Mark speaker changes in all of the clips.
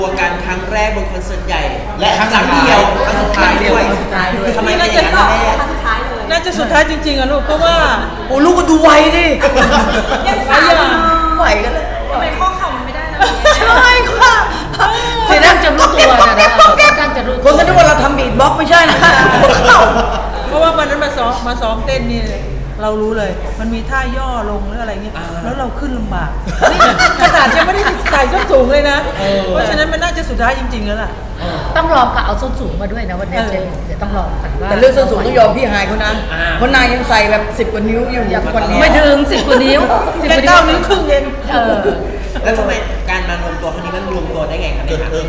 Speaker 1: ตัวกันครั้งแรกบนคอนเสิร์ตใหญ่และครั้งเดียวครั้งสุดท้ายด้วยทำไมเป็นอย่างนั้นแม่
Speaker 2: น่าจะสุดท้ายจริงๆอะลูกเพราะว่า
Speaker 3: โอ้ลูกก็ดูไวดิ
Speaker 2: ยังสาวอยู่
Speaker 3: ไหวกันเลย
Speaker 4: ทำไมข้อเข่ามันไม่ได้นะ
Speaker 3: ใช่ค่ะ
Speaker 5: คือนั่งจะรู้ตัวนะนั่งจะรู้
Speaker 3: คนก็นึกว่าเราทำบีทบ็อกซ์ไม่ใช่นะ
Speaker 2: เพราะว่าวันนั้นมาซ้อมเต้นนี่เรารู้เลย มันมีท่าย่อลงหรืออะไรเงี้ยแล้วเราขึ้นลำบากนี่ขนาดยังไม่ได้ใส่ส้นสูงเลยนะเพราะฉะนั้นมันน่าจะสุดท้ายจริงๆแล้วล่ะ
Speaker 5: ต้องลองกับเอาส้นสูงมาด้วยนะวันนี้เดี๋ยวต้องลองกันว่า
Speaker 3: แต่เรื่องส้นสูงต้องยอมพี่ฮายเขานะเพราะนายยังใส่แบบ10 กว่านิ้วอยู่ทุกวันนี้
Speaker 5: ไม่ถึง10 กว่านิ้ว10
Speaker 2: แค่
Speaker 5: กว่านิ้ว
Speaker 2: 9 นิ้วครึ่งเอง
Speaker 1: แล้วทำไมการมารวมตัวครั้งนี้มันรวมตัวได้ไงครับ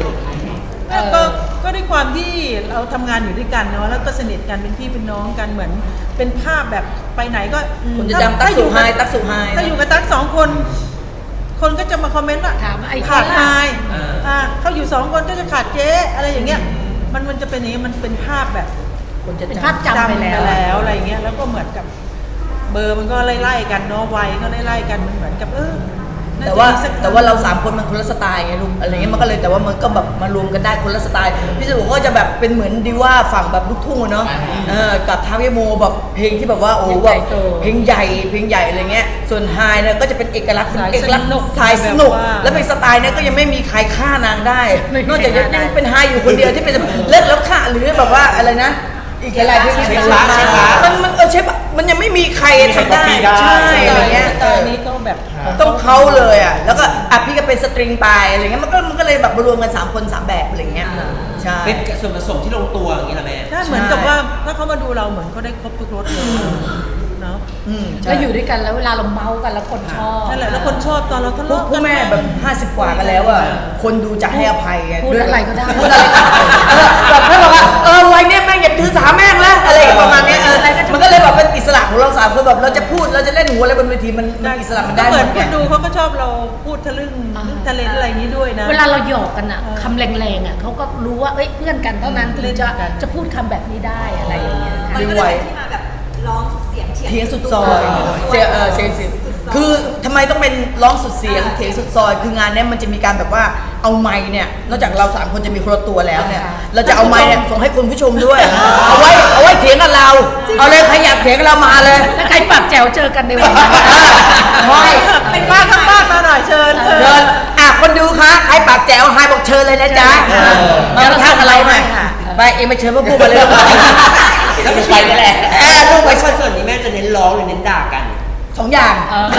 Speaker 2: ก็ด้วยความที่เราทำงานอยู่ด้วยกันเนาะแล้วก็สนิทกันเป็นพี่เป็นน้องกันเหมือนเป็นภาพแบบไปไหนก็
Speaker 3: คุณจะจำตั๊กสุไฮตั๊กสุไฮ
Speaker 2: ถ้าอยู่กับตั๊ก2 คน คนก็จะมาคอมเมนต์ว่า
Speaker 5: ถามไอ้
Speaker 2: ขาดไฮเขาอยู่2 คนก็จะขาดเจ๊อะไรอย่างเงี้ยมันจะเป็นอย่างนี้มันเป็นภาพแบบ
Speaker 3: คนจะ
Speaker 5: เป็น
Speaker 3: จำ
Speaker 5: ภาพจำไปแล้ว
Speaker 2: อะไรเงี้ยแล้วก็เหมือนกับเบอร์มันก็ไล่ๆกันเนาะวัยก็ไล่ๆกันมันเหมือนกับน่
Speaker 3: แต่ว่า
Speaker 2: จะมีสัก
Speaker 3: แต่ว่าเรา3 คนมันคนละสไตล์ไงลูกอะไรเงี้ยมันก็เลยแต่ว่ามันก็แบบมารวมกันได้คนละสไตล์พี่สุก็จะแบบเป็นเหมือนดีว่าฝั่งแบบลูกทุ่งเนาะกับทาวิโมแบบเพลงที่แบบว่าโอ้แบบเพลงใหญ่อะไรเงี้ยส่วนไฮเนี่ยก็จะเป็นเอกลักษณ์สายสนุกแล้วเป็นสไตล์เนี่ยก็ยังไม่มีใครฆ่านางได้นอกจากยังเป็นไฮอยู่คนเดียวที่เป็นเลิศแล้วฆ่าหรือแบบว่าอะไรนะอีกอะไรที่เป็นมันเชฟมันยังไม่มีใครทำได้ใช่อะไรเงี้ย
Speaker 2: ตอนนี้ก็แบบ
Speaker 3: ต้องเขาเลยอ่ะแล้วก็พี่ก็เป็นสตริงไปอะไรเงี้ยมันก็เลยแบบมารวมกัน3 คน 3 แบบอะไรเงี้ยใช่
Speaker 1: เป็นส่วนผสมที่ลงตัวอย่างนี้แหละแม่
Speaker 2: ถ้าเหมือนกับว่าถ้าเขามาดูเราเหมือนเขาได้ครบทุกรสเลยเนาะ
Speaker 5: แล้วอยู่ด้วยกันแล้วเวลาเราเมากันแล้วคนชอบ
Speaker 2: นั่นแหละแล้วคนชอบตอนเราทะเลาะ
Speaker 3: พวกแม่แบบ50 กว่ากันแล้วอ่ะคนดูจะให้อภัยไง
Speaker 5: พูดอะไรก็ได้
Speaker 3: พูดอะไรแบบเขาบอกว่าวัยเนี้ยแม่งอย่าถือสาแม่งแล้วอะไรประมาณเนี้ยมันก็เลยแบบเป็นอิสระของเรา3 คนแบบเราจะพูดเราจะเล่นหัวอะไรบนเวทีมันอิสระมันได้
Speaker 2: เห
Speaker 3: หม
Speaker 2: มือน
Speaker 3: ด
Speaker 2: คนดูเขาก็ชอบเราพูดทะลึ่งทะเลนอะไรอย่างนี้ด้วยนะ
Speaker 5: เวลาเราหยอกกันอะคำแรงๆอะเขาก็รู้ว่าเอ้ยเพื่อนกันเท่านั้นถึงจะพูดคำแบบนี้ได้อะไรอย่างเงี้ย
Speaker 4: มันก็เลยเป็นที่มาแบบร้องเสียงเถียง
Speaker 3: เถียงสุดซอยเสียงคือทำไมต้องเป็นร้องสุดเสียงเถียงสุดซอยคืองานเนี้ยมันจะมีการแบบว่าเอาไมค์เนี่ยนอกจากเรา3 คนจะมีคนละตัวแล้วเนี่ยเราจะเอาไมค์เนี่ยส่งให้คุณผู้ชมด้วยเอาไว้เถียงกับเราเอาเลยใครอยากเถียงกับเรามาเลย
Speaker 5: แล้วใครปากแจ๋วเจอกันในวันนั้น
Speaker 2: เป็นบ้านข้างบ้านมาหน่อยเชิญ
Speaker 3: คนดูคะใครปากแจ๋วไฮบอกเชิญเลยนะจ๊ะมาทักอะไรหน่อยไปเองมาเชิญพวกกูมาเลย
Speaker 1: แล้วไปนั่นแหละลูกไปคอนเสิร์ตนี้แม่จะเน้นร้องหรือเน้นด่ากัน
Speaker 3: 2 อย่าง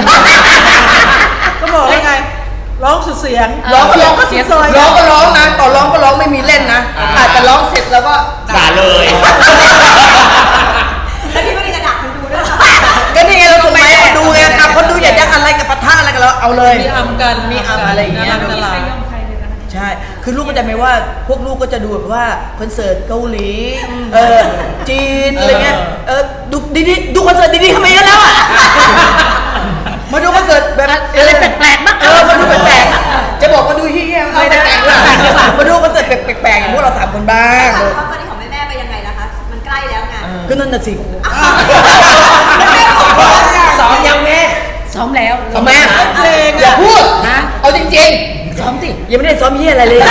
Speaker 2: ก็บอกแล้วไงร้องสุดเสียง
Speaker 3: ร้องก็ร้อง
Speaker 2: สุดซอย
Speaker 3: ร้องก็ร้องนะต่อร้องก็ร้องไม่มีเล่นนะอาจจะร้องเสร็จแล้วก็
Speaker 1: ด่าเลย
Speaker 4: แล้วพี่ไม่ได้กระดาษคนดูด้วย
Speaker 3: ก็นี่ไงเราส่งมาให้คนดูไงคนดูอยากจะอะไรกับปะทะอะไรกับเราเอาเลย
Speaker 2: มีอัมกัน
Speaker 3: มีอัมอะไรอย่างเงี้ย
Speaker 2: ตลาด
Speaker 3: ใช่คือลูกก็จะไม่ว่าพวกลูกก็จะดูแบบว่าคอนเสิร์ตเกาหลีจีนอะไรเงี้ยดูดีๆดูคอนเสิร์ตดีๆทำไมกันแล้วอ่ะมาดูคอนเสิร์ตแบบ
Speaker 5: อะไรแปลกๆบ้าง
Speaker 3: มาดูแปลกๆจะบอกมาดูเฮี้ยๆไม่ได้แปลกๆมาดูคอนเสิร์ตแปลกๆอย่างพวกเรา3 คนบ้าง
Speaker 4: แล้วตอนนี้ของแม่ไปยังไงนะคะ มันใกล้แล้วไง
Speaker 3: ก็นั่นน่ะสิ
Speaker 1: ซ้อมยังแม่
Speaker 5: ซ้อมแล้ว
Speaker 3: ทำไม
Speaker 2: เพลง
Speaker 3: อย่า
Speaker 2: อ่ะ
Speaker 3: พูด
Speaker 5: นะ
Speaker 3: เอาจริง
Speaker 5: ซ้อมสิ
Speaker 3: ๆยังไม่ได้ซ้อมเฮี้ยอะไรเลย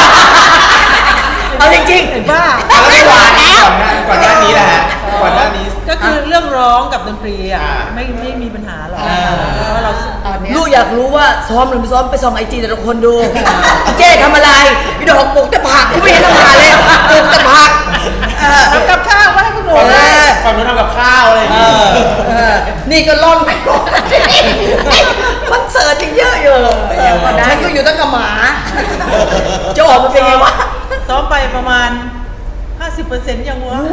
Speaker 3: เอาจริงๆ
Speaker 2: บ้า
Speaker 1: แล้วไม่หวานก่อนหน้านี้แหละก่อนหน้านี้
Speaker 2: ก็คือเรื่องร้องกับดนตรีอ่ะไม่มีปัญหาหรอกเพราะเรา
Speaker 5: ตอนเนี้ย
Speaker 3: ลูกอยากรู้ว่าซ้อมหรือไม่ซ้อมไปส่องIG แต่ละคนดูเจ๊ทำอะไรพี่ดอกปลูกแต่ผักกูไม่เห็นทำงานเลยปลูกแต่ผัก
Speaker 2: ทำกับข้าวไว้ให้คุณหนู
Speaker 1: ฝั่งนู้นทำกับข้าวอะไรอย่างงี้
Speaker 3: นี่ก็ล่อนไปหมดคอนเสิร์ตยังเยอะอยู่ฉันก็อยู่ตั้งกับหมาจะออกมาเป็นไงวะ
Speaker 2: ซ้อมไปประมาณ 50%ยังวะ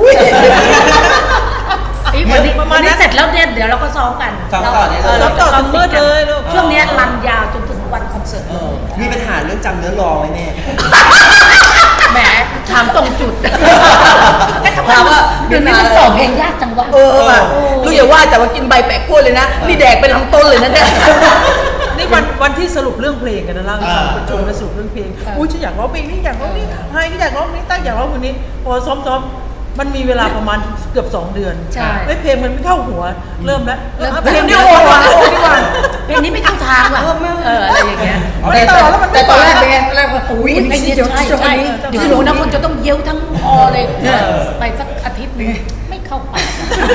Speaker 5: วันนี้เสร็จแล้วเนี่ยเดี๋ยวเราก็ซ้อมกัน
Speaker 1: ซ้อมต่อเนี่ยเลย
Speaker 2: ซ้อมต่อถึงมืดเลยลูก
Speaker 5: ช่วงเนี้ยรันยาวจนถึงวันคอนเสิร์ต
Speaker 1: มีปัญหาเรื่องจำเนื้อร้องไหมแม่
Speaker 5: แหมถามตรงจุด
Speaker 3: ถามว่า
Speaker 5: เดี๋ยวนี้มันต่อเพลงยากจังวะ
Speaker 3: แบบลูกอย่าว่าแต่ว่ากินใบแปะกล้วยเลยนะนี่แดกเป็นลำต้นเลยนะเนี่ย
Speaker 2: นี่วันที่สรุปเรื่องเพลงกันนะเล่าให้ฟังประชุมมาสรุปเรื่องเพลงอุ้ยฉันอยากร้องเพลงนี้อยากร้องนี้ไฮก็อยากร้องนี้ตั้งอยากร้องคนนี้พอซ้อมมันมีเวลาประมาณเกือบ2 เดือน
Speaker 5: ใช่
Speaker 2: เพลงมันไม่เข้าหัวเริ่มแล้ว
Speaker 3: เพลงนี้โอ้โหดีกว่า
Speaker 5: เพลงนี้ไม่เข้าทางว่ะอะไรอย่างเงี้ย
Speaker 3: แต่ตอนแรกเป็นไงตอนแรกว่าโอ้ย
Speaker 5: เพลงนี้ใช่ใช่เดี๋ยวรู้นะคนจะต้องเย้าทั้งคอเลยไปสักอาทิตย์นึงไม่เข้าปาก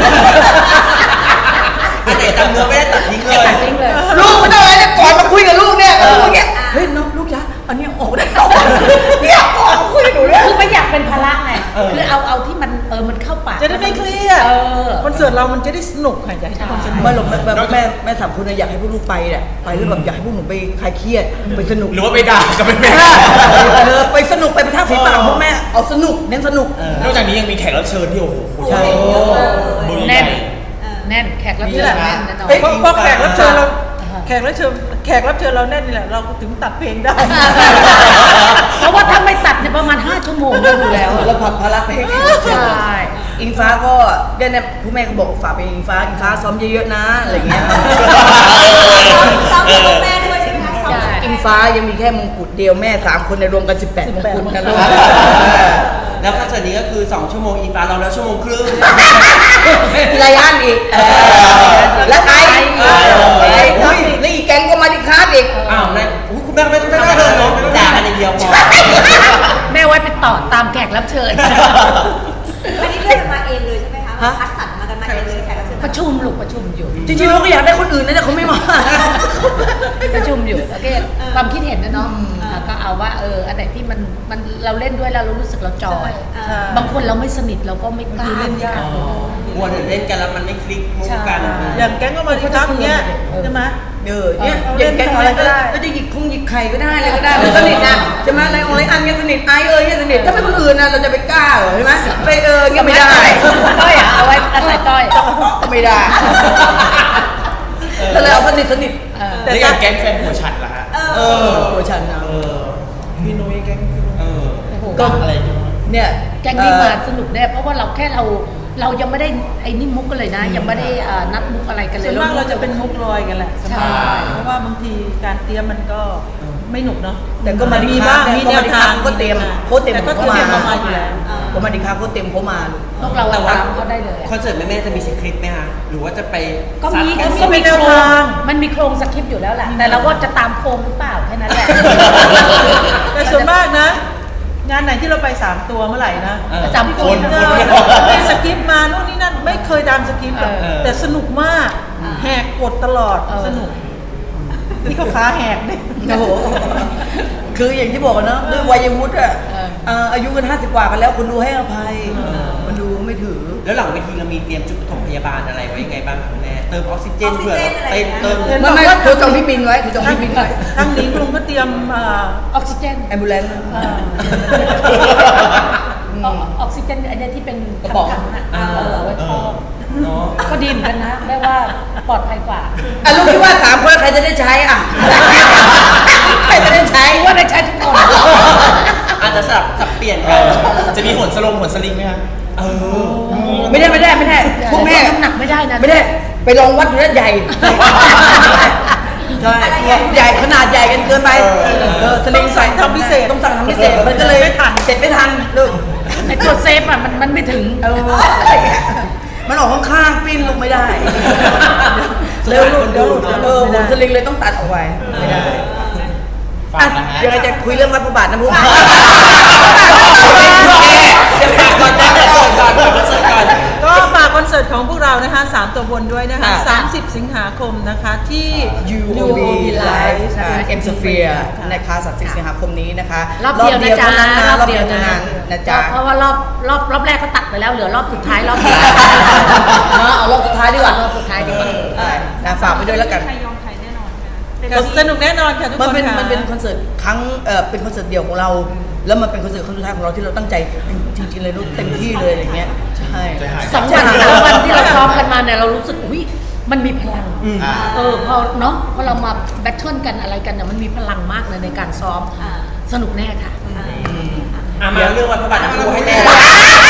Speaker 1: อันไหนจำเนื้อไม่ได้ตัดทิ้งเลย
Speaker 5: ตัดทิ้งเลย
Speaker 3: ลูกไม่ต้องอะไรเนี่ยก่อนมาคุยกับลูกเนี่ยลูกอย่างเงี้ยเฮ้ยน้องลูกจ๊ะอันนี้ออกได้เนี่ยออกมาคุยกับหนูเนี่ย
Speaker 5: คือไม่อยากเป็นภาระไงคือเอาที่มันมันเข้าปาก
Speaker 2: จะได้ไม่เครียด
Speaker 5: อ
Speaker 2: คอนเสิร์ตเรามันจะได้สนุกค่ะอยากให้ทุกคนสนุก
Speaker 3: ไม่หรอกแบบแม่สามคนอยากให้พวกลูกไปเนี่ยไปแล้วแบบอยากให้พวกหนูไปคลายเครียดไปสนุก
Speaker 1: หรือว่าไปด่ากับแม่
Speaker 3: ไปสนุกไปประทับฝีปากพวกแม่เอาสนุกเน้นสนุก
Speaker 1: นอกจากนี้ยังมีแขกรับเชิญที่โอ้โห
Speaker 3: ใช่
Speaker 5: แน่นแน่นแขกรับเชิญแน่นแน่นอน
Speaker 2: เพราะแขกรับเชิญเราแขกรับเชิญเราแน่นนี่แหละเราถึงตัดเพลงได้
Speaker 5: เพราะว่าถ้าไม่ตัดเนี่ยประมาณ5 ชั่วโมงก็ดูแล้ว
Speaker 3: แล้วผักภาระไปให้
Speaker 5: ใช่
Speaker 3: อิงฟ้าก็เนี่ยผู้แม่ก็บอกฝากไปอิงฟ้าซ้อมเยอะๆนะอะไรเงี้ย
Speaker 4: ซ้อมกับแม่ด้วยใช่ไหมคะซ้อมกับ
Speaker 3: อิงฟ้ายังมีแค่มงกุฎเดียวแม่3 คนในรวมกัน18มงกุฎนะลูก
Speaker 1: แล้วคอนเสิร์ตนี้ก็คือ2 ชั่วโมงอีฟ้าเราแล้ว1.5 ชั่วโมง
Speaker 3: มีรายอันอีกแล้วไอ้นี่อีกแก๊งก็มาดิคาร์ดอีก
Speaker 1: อ้าวนะคุณแม่ไม่ได้เลยเนาะด่ากันอย่างเดียวพอ
Speaker 5: แม่ไว้ไปต่อตามแขกรับเชิญ
Speaker 4: ไม่ได้เลือกกันมาเองเลยใช่ไหมคะคัดสรรมากันมาเองเลยแขกรับเชิญ
Speaker 5: ประชุมลูกประชุมอยู่
Speaker 3: จริงๆเราก็อยากได้คนอื่นนะแต่เขาไม่มา
Speaker 5: ประชุมอยู่โอเคความคิดเห็นนะเนาะก็เอาว่าอันไหนที่มันเราเล่นด้วยแล้วเรารู้สึกเราจอย บางคนเราไม่สนิทเราก็ไม่กล้า
Speaker 2: เล่นยาก
Speaker 1: กลัวเดี๋ยวเล่นกันแล้วมันไม่คลิกมุกกัน
Speaker 2: อย่างแก๊งก็มาที่ทักอย่างเงี้ยใช่ไหม
Speaker 3: เนี่ยอย่างแก๊งอะไรก็ได้ก็จะหยิกไข่ก็ได้อะไรก็ได้มันสนิทนะใช่ไหมอะไรอะไรอันเนี้ยสนิทไอเนี่ยสนิทถ้าเป็นคนอื่นนะเราจะไปกล้าเหรอใช่ไหมไปเงี้ยไม่ได้
Speaker 5: ต้อยเอาไว้อาศัยต้อย
Speaker 3: ไม่ได้แล้วเราสนิท
Speaker 1: แต่อย่างแก๊งแฟนหัวฉัดล่ะฮะ
Speaker 3: ตัวฉันนะ
Speaker 1: พี่นุ้ยแก๊งพี่นุ้ย
Speaker 3: ก็อะไรเนี่ย
Speaker 5: แก๊งนี้มาสนุกแน่เพราะว่าเราแค่เรายังไม่ได้ไอ้นี่มุกกันเลยนะ ยังไม่ได้นัดมุกอะไรกันเลย
Speaker 2: ส่วนมากเราจะเป็นมุกลอยกันแหละ
Speaker 5: ใช่
Speaker 2: เพราะว่าบางทีการเตรียมมันก็ไม่หนุกเนาะ
Speaker 3: แต่ก็มาดี
Speaker 2: มี
Speaker 3: บ้า
Speaker 2: บ้าง งมีแนวทาง
Speaker 3: ก็เตรียมโค้ชเตรียม
Speaker 2: แต่ก็
Speaker 3: เขา
Speaker 2: เตรียม
Speaker 3: มา
Speaker 2: มาอยู่แล้ว
Speaker 3: ก็มาดีครับโค้ชเตรียมเขามา
Speaker 5: พวกเราตามเขาได้เลย
Speaker 1: คอนเสิร์ตแม่จะมีสคริปต์ไหมฮะหรือว่าจะไป
Speaker 5: ก็มี
Speaker 1: ซัด
Speaker 2: ก็มีแนวทาง
Speaker 5: มันมีโครงสคริปต์อยู่แล้วแหละแต่เราก็จะตามโครงหรือเปล่าแค่นั้นแหละ
Speaker 2: แต่ส่วนมากนะ งานไหนที่เราไป3 ตัวเมื่อไหร่นะ
Speaker 5: จำคน
Speaker 2: มีสคริปต์มาโน่นนี่นั่นไม่เคยตามสคริปต์หรอกแต่สนุกมากแหกกฎตลอดสนุกนี่เขาขาแหกเนี่ย
Speaker 3: โอ้โหคืออย่างที่บอกกันเนาะด้วยวัยวุฒิอายุกัน50 กว่ากันแล้วคนดูให้อภัยมันดูไม่ถือ
Speaker 1: แล้วหลังเวทีเรามีเตรียมจุดปฐมพยาบาลอะไรไว้ยังไงบ้างครับแม่เติมออกซิเจนเผื่อเติม
Speaker 3: ไม่คือจองพี่บินไว้คือจองพี่บินไว้
Speaker 2: ทางนี้ลุงก็เตรียม
Speaker 5: ออกซิเจน
Speaker 3: แอมบูเลนซ์
Speaker 5: ออกซิเจนอันนี้ที่เป็น
Speaker 3: กระป๋อง
Speaker 5: ถังๆอ่ะไว้ครอบ
Speaker 1: เนาะ
Speaker 5: ก็ดีเหมือนกันนะแม่ว่าปลอดภัยกว่า
Speaker 3: ลูกคิดว่า3 คนใครจะได้ใช้อ่ะใครจะได้ใช้
Speaker 5: ว่าได้ใช้ทุกคน
Speaker 1: อาจจะสับเปลี่ยนกันจะมีหนสลิงไหมฮะ
Speaker 3: ไม่ได้พวกแม่
Speaker 5: น้ำหนักไม่ได้นะ
Speaker 3: ไม่ได้ไปลองวัดดูแล้วใหญ่ใช่ใหญ่ขนาดใหญ่กันเกินไปสลิงใส่ทำพิเศษต้องสั่งทำพิเศษมันก็เลยไม่ทันเสร็จไม่ทันลูก
Speaker 5: ไอตัวเซฟอ่ะมันไม่ถึง
Speaker 3: มันออกข้างๆปิ้นลงไม่ได้เร็วลูกเดี๋ยวหุ่นสลิงเลยต้องตัดออกไปไม่ได้ยังไงจะคุยเรื่องวัดพระบาทนะพวก
Speaker 2: ก็ฝากคอนเสิร์ตของพวกเรานะคะ3 ตัวบนด้วยนะคะ30 สิงหาคมนะคะที่
Speaker 3: UOB Live M Sphere นะคะ30 สิงหาคมนี้นะคะ
Speaker 5: รอบเดียวนะจ๊ะ
Speaker 3: รอบเดียวเท่านั้นนะจ๊ะ
Speaker 5: เพราะว่ารอบแรกก็ตัดไปแล้วเหลือรอบสุดท้ายรอบเดียว
Speaker 3: เอารอบสุดท้ายดีกว่าร
Speaker 5: อบสุดท้ายดีกว่า
Speaker 3: นะฝากไปด้วยแล้วกัน
Speaker 2: สนุกแน่นอนค่ะทุกคน
Speaker 3: มันเป็นคอนเสิร์ตเป็นคอนเสิร์ตเดี่ยวของเรา แล้วมันเป็นคอนเสิร์ตครั้งสุดท้ายของเราที่เราตั้งใจจริงๆเลยลูกเต็มที่เลยอะไรเงี้ยใช่
Speaker 5: 2 วัน3 วันที่เราซ้อมกันมาเนี่ยเรารู้สึกอุ้ยมันมีพลังพอเนาะพอเรามาแบทเทิลกันอะไรกันเนี่ยมันมีพลังมากเลยในการซ้อมสนุกแน่ค่ะ
Speaker 1: มาเรื่องวันพระบาทน้ำพุให้แน่